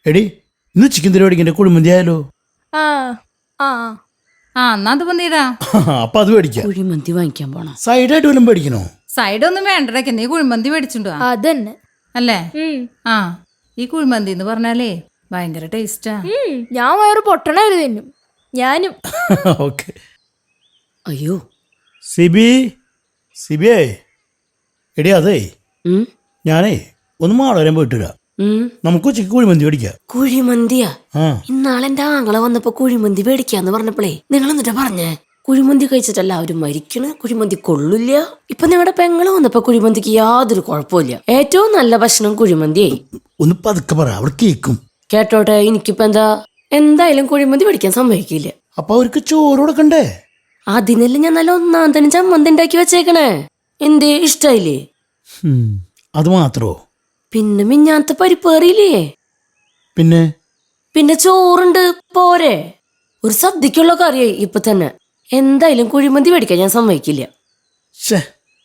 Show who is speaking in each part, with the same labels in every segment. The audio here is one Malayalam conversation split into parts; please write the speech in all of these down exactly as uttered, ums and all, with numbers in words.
Speaker 1: എടി ഇന്ന് ചിക്കൻ തിരുവടിക്കൻ്റെ കുഴിമന്തി ആയാലോ?
Speaker 2: ആ ആ
Speaker 3: ആ എന്നാ അത് വന്നീടാ.
Speaker 1: അപ്പൊ അത് മേടിക്കാം.
Speaker 4: കുഴിമന്തി വാങ്ങിക്കാൻ പോണം.
Speaker 1: സൈഡായിട്ട് വല്ലതും മേടിക്കണോ?
Speaker 3: സൈഡ് ഒന്നും വേണ്ടടക്കെ, നീ കുഴിമന്തി മേടിച്ചിട്ടുണ്ടോ?
Speaker 2: അതന്നെ.
Speaker 3: അല്ലേ?
Speaker 2: ഉം.
Speaker 3: ആ ഈ കുഴിമന്തി എന്ന് പറഞ്ഞാലേ ഭയങ്കര ടേസ്റ്റാ.
Speaker 2: ഉം, ഞാൻ വയറ് പൊട്ടണായിരുന്നു തിന്നും. ഞാനും.
Speaker 1: ഓക്കെ.
Speaker 4: അയ്യോ.
Speaker 1: സിബി സിബിയേ, എടി അതേ
Speaker 4: ഉം,
Speaker 1: ഞാനേ ഒന്ന് മാളവരാൻ പോയിട്ടില്ല.
Speaker 4: ഉം.
Speaker 1: നമുക്ക് ഉച്ചയ്ക്ക് കുഴിമന്തി മേടിക്കാം.
Speaker 4: കുഴിമന്തിയാ?
Speaker 1: ആ
Speaker 4: ഇന്നാളെ എന്റെ ആങ്ങളെ വന്നപ്പോ കുഴിമന്തി മേടിക്കാന്ന് പറഞ്ഞപ്പോഴേ നിങ്ങൾ എന്നിട്ടാ പറഞ്ഞേ കുഴിമന്തി കഴിച്ചിട്ടല്ല അവര് മരിക്കണ്, കുഴിമന്തി കൊള്ളില്ല. ഇപ്പൊ നിങ്ങളുടെ പെങ്ങള് വന്നപ്പോ കുഴിമന്തിക്ക് യാതൊരു കുഴപ്പമില്ല. ഏറ്റവും നല്ല ഭക്ഷണം കുഴിമന്തിയായി.
Speaker 1: ഒന്ന് പതുക്കെ പറ, അവിടെ കേക്കും.
Speaker 4: കേട്ടോട്ടെ, എനിക്കിപ്പോ എന്താ എന്തായാലും കുഴിമന്തി മേടിക്കാൻ സമ്മതിക്കില്ല.
Speaker 1: അപ്പൊ അവർക്ക് ചോറ് കൊടുക്കണ്ടേ?
Speaker 4: അതിനല്ലേ ഞാൻ നല്ല ഒന്നാം തന്നെ ചമ്മന്തി ഉണ്ടാക്കി വെച്ചേക്കണേ. എന്തേ ഇഷ്ടായില്ലേ?
Speaker 1: ഉം, അത് മാത്രോ?
Speaker 4: പിന്നെ മിഞ്ഞാത്ത പരിപ്പേറിയില്ലേ?
Speaker 1: പിന്നെ
Speaker 4: പിന്നെ ചോറുണ്ട്, പോരെ? ഒരു സദ്യക്കുള്ള കറിയായി ഇപ്പൊ തന്നെ. എന്തായാലും കുഴിമന്തി മേടിക്കാൻ ഞാൻ സമ്മതിക്കില്ല.
Speaker 1: ഷേ,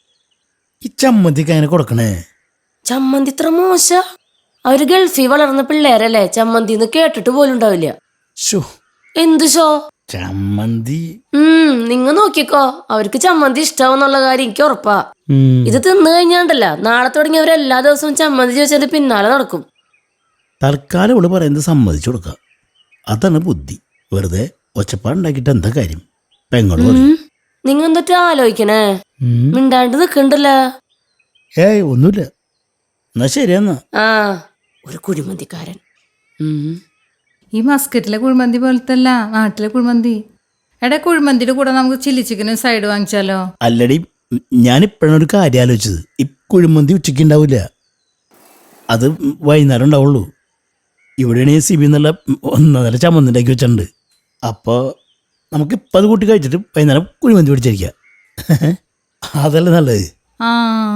Speaker 1: ഈ ചമ്മന്തിക്ക് അങ്ങനെ കൊടുക്കണേ?
Speaker 4: ചമ്മന്തി ഇത്ര മോശ? അവര് ഗൾഫിൽ വളർന്ന പിള്ളേരല്ലേ, ചമ്മന്തി എന്ന് കേട്ടിട്ട് പോലും ഉണ്ടാവില്ല.
Speaker 1: ഷോ,
Speaker 4: എന്ത് ഷോ?
Speaker 1: ചമ്മന്തി.
Speaker 4: ഉം നിങ്ങ നോക്കിക്കോ, അവർക്ക് ചമ്മന്തി ഇഷ്ടാവെന്നുള്ള കാര്യം എനിക്ക് ഉറപ്പാ.
Speaker 1: ഉം,
Speaker 4: ഇത് തിന്നു കഴിഞ്ഞാണ്ടല്ല നാളെ തുടങ്ങി അവർ എല്ലാ ദിവസവും ചമ്മന്തി ചോദിച്ചതിന്റെ പിന്നാലെ നടക്കും.
Speaker 1: തൽക്കാലം ഇവിടെ പറയുന്നത് സമ്മതിച്ചു കൊടുക്കാം. അതാണ് ബുദ്ധി. വെറുതെ ഒച്ചപ്പാടുണ്ടാക്കിയിട്ട് എന്താ കാര്യം? പെങ്ങള് പറയും.
Speaker 4: നിങ്ങ എന്തൊട്ട് ആലോചിക്കണേ?
Speaker 1: ഉം.
Speaker 4: മിണ്ടാണ്ട് നിക്കണ്ടല്ലോ.
Speaker 1: ഏയ് ഒന്നുമില്ല. എന്നാ ശരിയെന്നാ.
Speaker 4: ആ ഒരു കുഴിമന്തിക്കാരൻ. ഉം
Speaker 3: ഈ മസ്കറ്റിലെ കുഴിമന്തി പോലത്തെ അല്ല നാട്ടിലെ കുഴിമന്തി. എടാ, കുഴിമന്തിയുടെ കൂടെ നമുക്ക് ചില്ലി ചിക്കനും സൈഡ് വാങ്ങിച്ചാലോ?
Speaker 1: അല്ലടി, ഞാനിപ്പോഴാണ് ഒരു കാര്യം ആലോചിച്ചത്. ഈ കുഴിമന്തി ഉച്ചയ്ക്ക് ഉണ്ടാവില്ല, അത് വൈകുന്നേരം ഉണ്ടാവുള്ളൂ. ഇവിടെയാണെങ്കിൽ സി ബി എന്നുള്ള ഒന്നര ചമ്മന്തി ഉണ്ടാക്കി വെച്ചിട്ടുണ്ട്. അപ്പോൾ നമുക്കിപ്പോൾ അത് കൂട്ടി കഴിച്ചിട്ട് വൈകുന്നേരം കുഴിമന്തി പിടിച്ചിരിക്കാം. അതല്ലേ നല്ലത്.
Speaker 3: ആ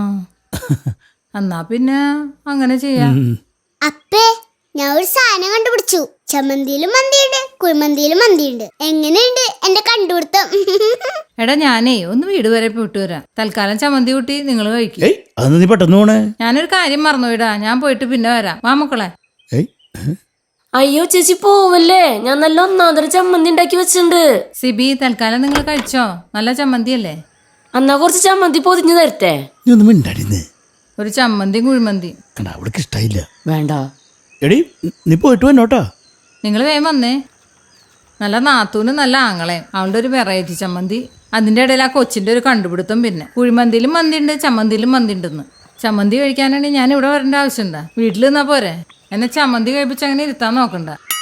Speaker 3: എന്നാ പിന്നെ അങ്ങനെ ചെയ്യാം.
Speaker 1: ഉം.
Speaker 5: അപ്പേ, ഞാൻ ഒരു സാധനം കണ്ടുപിടിച്ചു. ചമ്മന്തിയിലും മന്തിയുണ്ട്, കുഴിമന്തിയിലും മന്തിയുണ്ട്. എങ്ങനെയുണ്ട് എന്റെ കണ്ടുപിടുത്തം?
Speaker 3: എടാ, ഞാനേ ഒന്ന് വീട് വരെ പോയിട്ട് വരാം. തൽക്കാലം ചമ്മന്തി കൂട്ടി നിങ്ങൾ കഴിക്കും.
Speaker 1: ഏയ് അതൊന്ന് നീ പെട്ടെന്ന് പോണേ.
Speaker 3: ഞാനൊരു കാര്യം മറന്നുപോയിടാ, ഞാൻ പോയിട്ട് പിന്നെ വരാം. വാ മക്കളെ.
Speaker 1: ഏയ്
Speaker 4: അയ്യോ ചേച്ചി പോവല്ലേ, ഞാൻ നല്ല ഒന്നാന്തര ചമ്മന്തി ഉണ്ടാക്കി വെച്ചിട്ടുണ്ട്.
Speaker 3: സിബി, തൽക്കാലം നിങ്ങൾ കഴിച്ചോ, നല്ല ചമ്മന്തി അല്ലേ?
Speaker 4: എന്നാ കുറച്ച് ചമ്മന്തി പൊതിഞ്ഞു തരട്ടെ?
Speaker 1: നീ ഒന്നും മിണ്ടാടിന്ന്.
Speaker 3: ഒരു ചമ്മന്തിയും കുഴിമന്തി.
Speaker 1: കണ്ട, അവൾക്ക് ഇഷ്ടമായില്ല.
Speaker 4: വേണ്ട.
Speaker 1: എടി നീ പോയിട്ട് വന്നോട്ടാ.
Speaker 3: നിങ്ങൾ വേഗം വന്നേ. നല്ല നാത്തൂനും നല്ല ആങ്ങളെയും, അവളുടെ ഒരു വെറൈറ്റി ചമ്മന്തി. അതിൻ്റെ ഇടയിൽ ആ കൊച്ചിൻ്റെ ഒരു കണ്ടുപിടുത്തം. പിന്നെ കുഴിമന്തിയിലും മന്തി ഉണ്ട്, ചമ്മന്തിയിലും മന്തി ഉണ്ടെന്ന്. ചമ്മന്തി കഴിക്കാനാണെങ്കിൽ ഞാൻ ഇവിടെ വരേണ്ട ആവശ്യമുണ്ടാ? വീട്ടിൽ നിന്നാ പോരെ? എന്നെ ചമ്മന്തി കഴിപ്പിച്ച് അങ്ങനെ ഇരുത്താൻ നോക്കണ്ട.